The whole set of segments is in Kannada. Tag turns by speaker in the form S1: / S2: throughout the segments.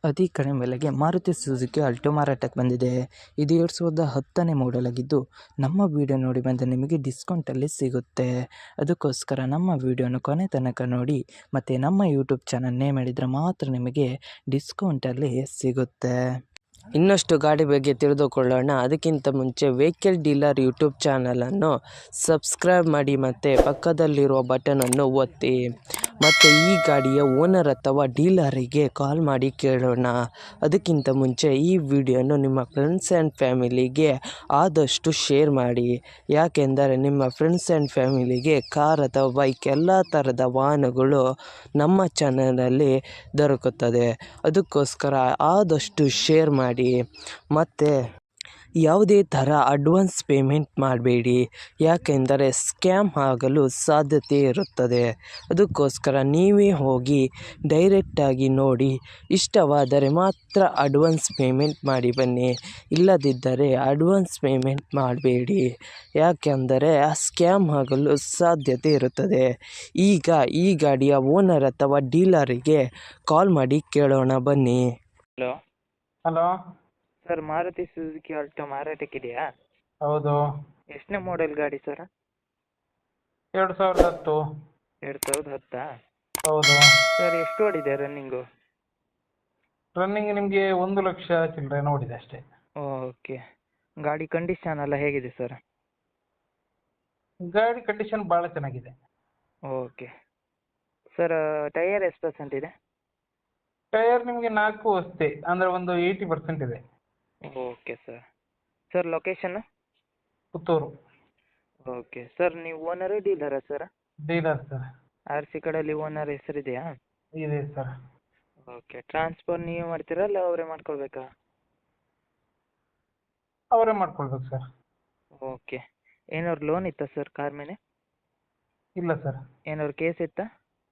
S1: ಅತಿ ಕಡಿಮೆ ಬೆಲೆಗೆ ಮಾರುತಿ ಸುಜುಕಿ ಆಲ್ಟೋ ಮಾರಾಟಕ್ಕೆ ಬಂದಿದೆ. ಇದು 2010ನೇ ಮಾಡೆಲ್ ಆಗಿದ್ದು, ನಮ್ಮ ವಿಡಿಯೋ ನೋಡಿ ಬಂದ ನಿಮಗೆ ಡಿಸ್ಕೌಂಟಲ್ಲಿ ಸಿಗುತ್ತೆ. ಅದಕ್ಕೋಸ್ಕರ ನಮ್ಮ ವಿಡಿಯೋನ ಕೊನೆ ತನಕ ನೋಡಿ ಮತ್ತು ನಮ್ಮ ಯೂಟ್ಯೂಬ್ ಚಾನಲ್ ನೇಮ್ ಮಾಡಿದರೆ ಮಾತ್ರ ನಿಮಗೆ ಡಿಸ್ಕೌಂಟಲ್ಲಿ ಸಿಗುತ್ತೆ. ಇನ್ನಷ್ಟು ಗಾಡಿ ಬಗ್ಗೆ ತಿಳಿದುಕೊಳ್ಳೋಣ. ಅದಕ್ಕಿಂತ ಮುಂಚೆ ವೆಹಿಕಲ್ ಡೀಲರ್ ಯೂಟ್ಯೂಬ್ ಚಾನಲನ್ನು ಸಬ್ಸ್ಕ್ರೈಬ್ ಮಾಡಿ ಮತ್ತು ಪಕ್ಕದಲ್ಲಿರುವ ಬಟನನ್ನು ಒತ್ತಿ. ಮತ್ತು ಈ ಗಾಡಿಯ ಓನರ್ ಅಥವಾ ಡೀಲರಿಗೆ ಕಾಲ್ ಮಾಡಿ ಕೇಳೋಣ. ಅದಕ್ಕಿಂತ ಮುಂಚೆ ಈ ವಿಡಿಯೋನು ನಿಮ್ಮ ಫ್ರೆಂಡ್ಸ್ ಆ್ಯಂಡ್ ಫ್ಯಾಮಿಲಿಗೆ ಆದಷ್ಟು ಶೇರ್ ಮಾಡಿ. ಯಾಕೆಂದರೆ ನಿಮ್ಮ ಫ್ರೆಂಡ್ಸ್ ಆ್ಯಂಡ್ ಫ್ಯಾಮಿಲಿಗೆ ಕಾರ್ ಅಥವಾ ಬೈಕ್ ಎಲ್ಲ ಥರದ ವಾಹನಗಳು ನಮ್ಮ ಚಾನಲಲ್ಲಿ ದೊರಕುತ್ತದೆ. ಅದಕ್ಕೋಸ್ಕರ ಆದಷ್ಟು ಶೇರ್ ಮಾಡಿ. ಮತ್ತು ಯಾವುದೇ ಥರ ಅಡ್ವಾನ್ಸ್ ಪೇಮೆಂಟ್ ಮಾಡಬೇಡಿ, ಯಾಕೆಂದರೆ ಸ್ಕ್ಯಾಮ್ ಆಗಲು ಸಾಧ್ಯತೆ ಇರುತ್ತದೆ. ಅದಕ್ಕೋಸ್ಕರ ನೀವೇ ಹೋಗಿ ಡೈರೆಕ್ಟಾಗಿ ನೋಡಿ, ಇಷ್ಟವಾದರೆ ಮಾತ್ರ ಅಡ್ವಾನ್ಸ್ ಪೇಮೆಂಟ್ ಮಾಡಿ ಬನ್ನಿ. ಇಲ್ಲದಿದ್ದರೆ ಅಡ್ವಾನ್ಸ್ ಪೇಮೆಂಟ್ ಮಾಡಬೇಡಿ, ಯಾಕೆಂದರೆ ಸ್ಕ್ಯಾಮ್ ಆಗಲು ಸಾಧ್ಯತೆ ಇರುತ್ತದೆ. ಈಗ ಈ ಗಾಡಿಯ ಓನರ್ ಅಥವಾ ಡೀಲರಿಗೆ ಕಾಲ್ ಮಾಡಿ ಕೇಳೋಣ ಬನ್ನಿ.
S2: Hello
S1: sir, Maruti Suzuki Alto ಮಾರಾಟಕ್ಕಿದೆಯಾ?
S2: ಹೌದು.
S1: ಎಷ್ಟನೇ ಮಾಡೆಲ್ ಗಾಡಿ ಸರ್?
S2: 2010.
S1: 2010?
S2: ಹೌದು.
S1: ಸರ್, ಎಷ್ಟು ಓಡಿದೆ ರನ್ನಿಂಗು?
S2: ರನ್ನಿಂಗ್ ನಿಮಗೆ 1 ಲಕ್ಷ ಚಿಲ್ಲರೆ ನೋಡಿದೆ ಅಷ್ಟೇ.
S1: ಓಕೆ. ಗಾಡಿ ಕಂಡೀಷನ್ ಎಲ್ಲ ಹೇಗಿದೆ ಸರ್?
S2: ಗಾಡಿ ಕಂಡೀಷನ್ ಭಾಳ ಚೆನ್ನಾಗಿದೆ.
S1: ಓಕೆ. ಸರ್, ಟೈಯರ್ ಎಷ್ಟು ಪರ್ಸೆಂಟ್ ಇದೆ?
S2: ಟೈರ್ ನಿಮಗೆ 4 ಅಷ್ಟೇ, ಅಂದರೆ ಒಂದು 80% ಇದೆ.
S1: Okay sir. ಸರ್, ಲೊಕೇಶನ್ನು?
S2: ಪುತ್ತೂರು.
S1: ಓಕೆ. ಸರ್, ನೀವು ಓನರು ಡೀಲರಾ ಸರ್?
S2: Dealer sir.
S1: RC ಕಡೆಯಲ್ಲಿ ಓನರ್ ಹೆಸರಿದೆಯಾ?
S2: ಇದೆ ಸರ್.
S1: ಓಕೆ. ಟ್ರಾನ್ಸ್ಫರ್ ನೀವೇ ಮಾಡ್ತೀರಾ ಅಲ್ಲ ಅವರೇ ಮಾಡ್ಕೊಳ್ಬೇಕಾ?
S2: ಅವರೇ ಮಾಡ್ಕೊಳ್ಬೇಕು ಸರ್.
S1: ಓಕೆ. ಏನಾದ್ರು ಲೋನ್ ಇತ್ತಾ ಸರ್ ಕಾರ್ ಮೇಲೆ?
S2: ಇಲ್ಲ ಸರ್.
S1: ಏನಾದ್ರು ಕೇಸ್ ಇತ್ತಾ?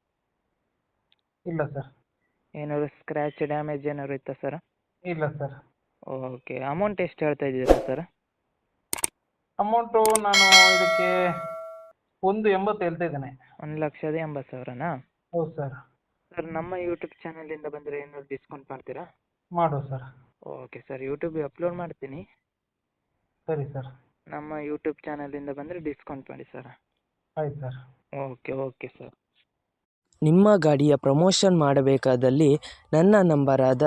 S2: ಇಲ್ಲ ಸರ್.
S1: ಏನಾದ್ರು ಸ್ಕ್ರ್ಯಾಚ್ ಡ್ಯಾಮೇಜ್ ಏನಾದ್ರು ಇತ್ತಾ ಸರ್?
S2: ಇಲ್ಲ ಸರ್.
S1: ಓಕೆ. ಅಮೌಂಟ್ ಎಷ್ಟು ಹೇಳ್ತಾ ಇದ್ದೀರಾ ಸರ್?
S2: ಅಮೌಂಟು ನಾನು ಇದಕ್ಕೆ 1.80 ಹೇಳ್ತಾ ಇದ್ದೇನೆ.
S1: 1,80,000ನಾ?
S2: ಹೌದು ಸರ್.
S1: ಸರ್, ನಮ್ಮ ಯೂಟ್ಯೂಬ್ ಚಾನಲಿಂದ ಬಂದರೆ ಏನಾದ್ರು ಡಿಸ್ಕೌಂಟ್ ಮಾಡ್ತೀರಾ?
S2: ಮಾಡುವ ಸರ್.
S1: ಓಕೆ ಸರ್, ಯೂಟ್ಯೂಬಿಗೆ ಅಪ್ಲೋಡ್ ಮಾಡ್ತೀನಿ.
S2: ಸರಿ ಸರ್.
S1: ನಮ್ಮ ಯೂಟ್ಯೂಬ್ ಚಾನಲಿಂದ ಬಂದರೆ ಡಿಸ್ಕೌಂಟ್ ಮಾಡಿ ಸರ್.
S2: ಆಯ್ತು ಸರ್.
S1: Okay sir. ನಿಮ್ಮ ಗಾಡಿಯ ಪ್ರಮೋಷನ್ ಮಾಡಬೇಕಾದಲ್ಲಿ ನನ್ನ ನಂಬರಾದ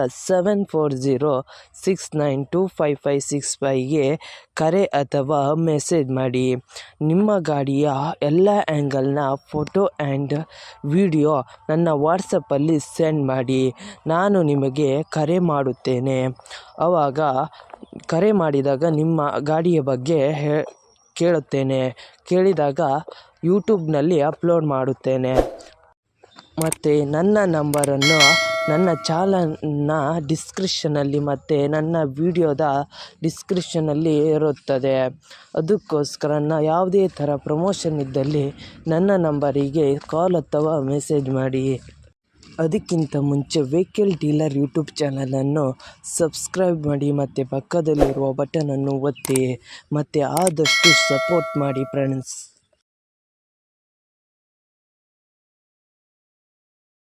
S1: 7406925565ಗೆ ಕರೆ ಅಥವಾ ಮೆಸೇಜ್ ಮಾಡಿ. ನಿಮ್ಮ ಗಾಡಿಯ ಎಲ್ಲ ಆ್ಯಂಗಲ್ನ ಫೋಟೋ ಆ್ಯಂಡ್ ವಿಡಿಯೋ ನನ್ನ ವಾಟ್ಸಪ್ಪಲ್ಲಿ ಸೆಂಡ್ ಮಾಡಿ. ನಾನು ನಿಮಗೆ ಕರೆ ಮಾಡುತ್ತೇನೆ. ಆವಾಗ ಕರೆ ಮಾಡಿದಾಗ ನಿಮ್ಮ ಗಾಡಿಯ ಬಗ್ಗೆ ಕೇಳುತ್ತೇನೆ. ಕೇಳಿದಾಗ ಯೂಟ್ಯೂಬ್ನಲ್ಲಿ ಅಪ್ಲೋಡ್ ಮಾಡುತ್ತೇನೆ. ಮತ್ತು ನನ್ನ ನಂಬರನ್ನು ನನ್ನ ಚಾನಲ್ನ ಡಿಸ್ಕ್ರಿಪ್ಷನಲ್ಲಿ ಮತ್ತು ನನ್ನ ವಿಡಿಯೋದ ಡಿಸ್ಕ್ರಿಪ್ಷನಲ್ಲಿ ಇರುತ್ತದೆ. ಅದಕ್ಕೋಸ್ಕರ ಯಾವುದೇ ಥರ ಪ್ರಮೋಷನ್ ಇದ್ದಲ್ಲಿ ನನ್ನ ನಂಬರಿಗೆ ಕಾಲ್ ಅಥವಾ ಮೆಸೇಜ್ ಮಾಡಿ. ಅದಕ್ಕಿಂತ ಮುಂಚೆ ವೆಹಿಕಲ್ ಡೀಲರ್ ಯೂಟ್ಯೂಬ್ ಚಾನಲನ್ನು ಸಬ್ಸ್ಕ್ರೈಬ್ ಮಾಡಿ ಮತ್ತು ಪಕ್ಕದಲ್ಲಿರುವ ಬಟನನ್ನು ಒತ್ತಿ ಮತ್ತು ಆದಷ್ಟು ಸಪೋರ್ಟ್ ಮಾಡಿ ಫ್ರೆಂಡ್ಸ್.